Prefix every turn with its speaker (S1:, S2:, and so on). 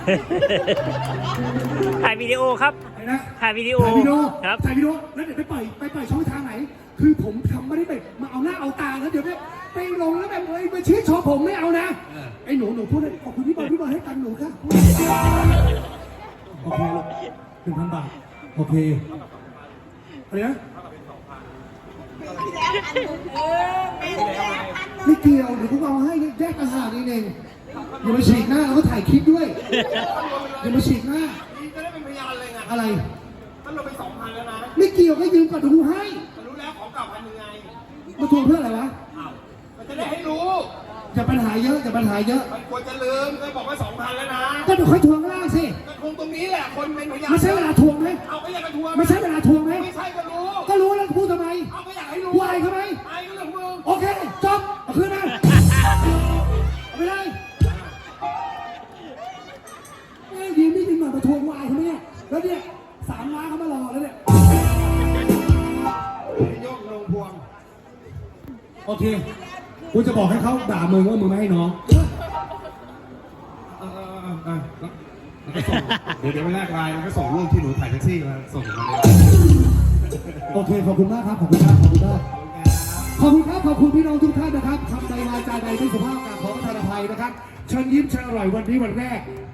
S1: ถ่ายวิดีโอครับถ่ายวิดีโอครับ
S2: ถ่ายวิดีโอแล้วเดี๋ยวไปปล่อยช่องทางไหนคือผมทำไม่ได้แบบมาเอาหน้าเอาตาแล้วเดี๋ยวไปลงแล้วแบบไปชี้ชอผมไม่เอานะไอ้หนูพูดเลยขอบคุณพี่บอลให้ตังค์หนูค่ะโอเคลูก1,000 บาทโอเคอะไรนะไม่เกี่ยวเดี๋ยวพวกเราให้แยกต่างหากนี่เองอย่ามาฉีกหน้าแล้วก็ถ่ายคลิปด้วยอย่ามาฉีกหน้า
S3: นี่จะได้เป็นพยานเลยไง
S2: อะไร
S3: มันลงไป2,000แล้วนะ
S2: ไม่เกี่ยวก็ยืมก่อนดูให้
S3: รู้แล้วของเก่า1,000ยังไง
S2: มาทวงเพื่ออะไรวะ
S3: มันจะได้ให้รู้
S2: อย่าปัญหาเยอะมัน
S3: ควรจะลืมเคยบอกว่า2,000แล้วนะ
S2: ก็เดี๋ยวค่อยทวงล่างสิ
S3: ก็ทวงตรงนี้แหละคนเป็นพยาน
S2: ไม่ใช่เวลาทวงไหม
S3: เอาก็อยากจะทวง
S2: ไม่ใช่เวลาทวงไหม
S3: ไม่ใช่ก็
S2: รู้แล้วพูดทำไม
S3: เอาก็อยากให้รู้
S2: วายทำไม
S3: ไอ้ก็เรื่องมึง
S2: โอเคจบเอาคืนมาเอาไปเลยยืมไม่ยืมหน่อยมาทวงวายเขาเนี่ยแล้วเนี่ย3 ล้านเขามารอแล้วเนี่ย
S3: ยกลงพวง
S2: โอเคกูจะบอกให้เขาด่ามึงว่ามึงไม่ให้น้อง
S3: แล้วก็ส่งเดี๋ยวไปแลกไลน์แล้วก็ส่งรูปที่หนูถ่ายแท็กซี่มาส่งมาเลย
S2: โอเคขอบคุณมากครับขอบคุณพี่น้องทุกท่านนะครับคำใดวาจาใดไม่สุภาพกราบขอประทานอภัยนะครับเชิญยิ้มเชิญอร่อยวันนี้วันแรก